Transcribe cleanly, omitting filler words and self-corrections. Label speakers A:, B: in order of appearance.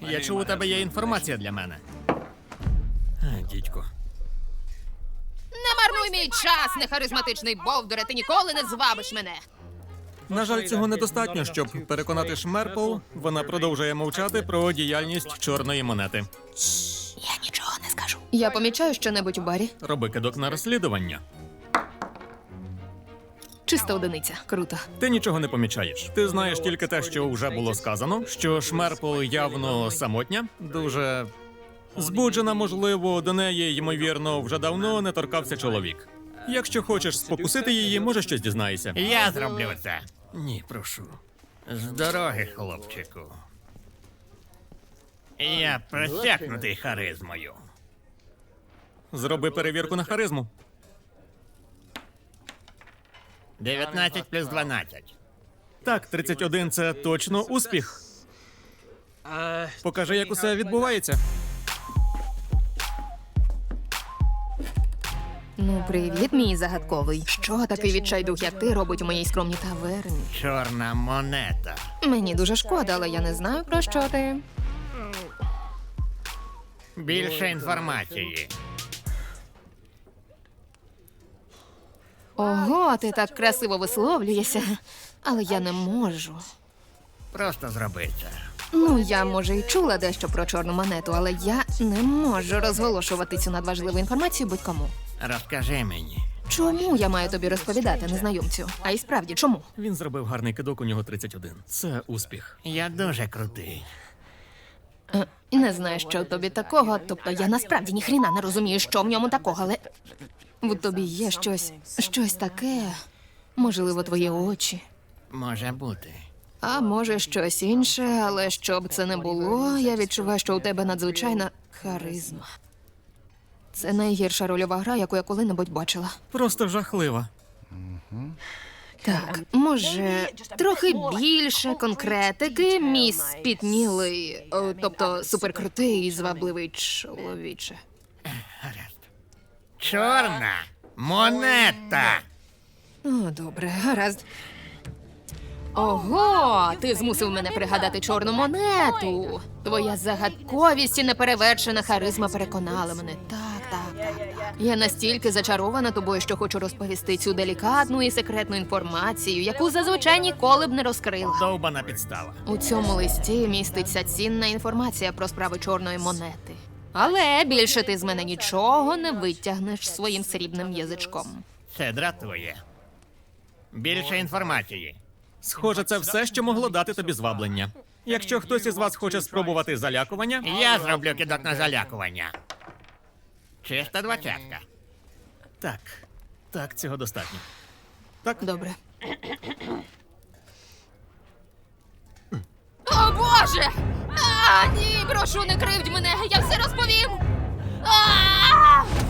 A: Я чув, у тебе є інформація для мене. Дідько.
B: Не марнуй мій час, нехаризматичний бовдуре, ти ніколи не звабиш мене.
A: На жаль, цього недостатньо, щоб переконати Шмерпл. Вона продовжує мовчати про діяльність чорної монети.
B: Я нічого не скажу. Я помічаю що-небудь у барі.
A: Роби кидок на розслідування.
B: Чиста одиниця. Круто.
A: Ти нічого не помічаєш. Ти знаєш тільки те, що вже було сказано, що Шмерпл явно самотня, дуже збуджена, можливо, до неї, ймовірно, вже давно не торкався чоловік. Якщо хочеш спокусити її, може щось дізнаєшся.
C: Я зроблю це.
A: Ні, прошу.
C: З дороги, хлопчику. Я просякнутий харизмою.
A: Зроби перевірку на харизму.
C: 19 плюс 12.
A: Так, 31 – це точно успіх. Покажи, як усе відбувається.
B: Ну, привіт, мій загадковий. Що такий відчайдух, як ти, робить у моїй скромній таверні?
C: Чорна монета.
B: Мені дуже шкода, але я не знаю, про що ти.
C: Більше інформації.
B: Ого, ти так красиво висловлюєшся. Але я не можу.
C: Просто зроби це.
B: Ну, я, може, і чула дещо про чорну монету, але я не можу розголошувати цю надважливу інформацію будь-кому.
C: Розкажи мені.
B: Чому я маю тобі розповідати, незнайомцю? А й справді, чому?
A: Він зробив гарний кидок, у нього 31. Це успіх.
C: Я дуже крутий.
B: Не знаю, що в тобі такого, тобто я насправді ніхріна не розумію, що в ньому такого, але в тобі є щось таке, можливо, твої очі.
C: Може бути.
B: А може, щось інше, але що б це не було, я відчуваю, що у тебе надзвичайна харизма. Це найгірша рольова гра, яку я коли-небудь бачила.
A: Просто жахлива.
B: Так, може, трохи більше конкретики, мій спітнілий, тобто суперкрутий і звабливий чоловіче.
C: Гаразд. Чорна монета.
B: О, добре, гаразд. Ого, ти змусив мене пригадати чорну монету. Твоя загадковість і неперевершена харизма переконали мене. Так. Я настільки зачарована тобою, що хочу розповісти цю делікатну і секретну інформацію, яку зазвичай ніколи б не розкрила.
A: Довбана підстава.
B: У цьому листі міститься цінна інформація про справи чорної монети. Але більше ти з мене нічого не витягнеш своїм срібним язичком.
C: Це дратує. Більше інформації.
A: Схоже, це все, що могло дати тобі зваблення. Якщо хтось із вас хоче спробувати залякування,
C: Я зроблю кидок на залякування. Чиста двадцятка.
A: Так, цього достатньо. Так,
B: Добре. О, Боже! Ні, прошу, не кривдь мене, я все розповім!